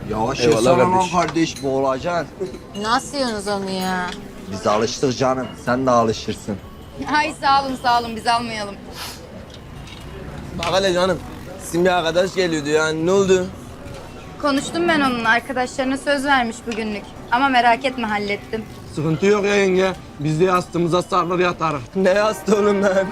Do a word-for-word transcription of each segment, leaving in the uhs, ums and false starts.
Yavaş Eyvallah yesene lan kardeş. kardeş, boğulacaksın. Nasıl yiyorsunuz onu ya? Biz alıştık canım, sen de alışırsın. Ay sağ olun sağ olun biz almayalım. Bak hele canım. Sizin bir arkadaş geliyordu yani ne oldu? Konuştum ben onun arkadaşlarına söz vermiş bugünlük. Ama merak etme hallettim. Sıkıntı yok ya yenge. Biz de yastığımıza sarılır yatarız. Ne yastı oğlum lan?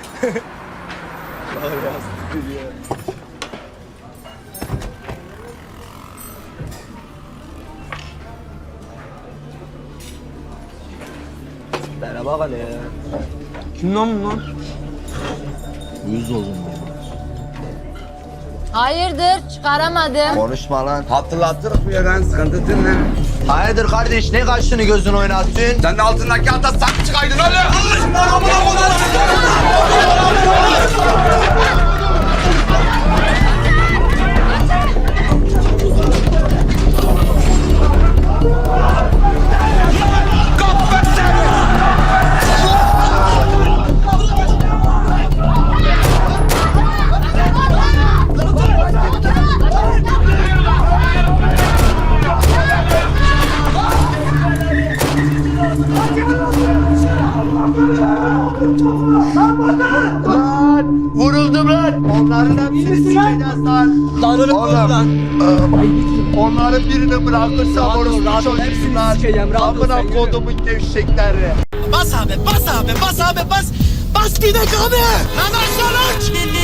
Merhaba hele ya. Kim lan bu lan? Uyuz oldum. Hayırdır çıkaramadım. Konuşma lan. Hatırlatırız bu yerden sıkıntı değil mi? Hayırdır kardeş, ne kaşını gözünü oynattın? Sen de altındaki ata sak çıkaydın oğlum. Vuruldum lan. Onların hepsini sikeceğiz lan. Lan oğlum Oğlum. lan. Onların birini bırakırsam Rahat ol, orospu rahat ol. çocuğum Hepsini lan. sikeceğim, rahat ol, Amına sen yürü. kodumun gevşekleri. Bas abi, bas abi, bas abi, bas. Bas gidek abi. Hemen sonuç.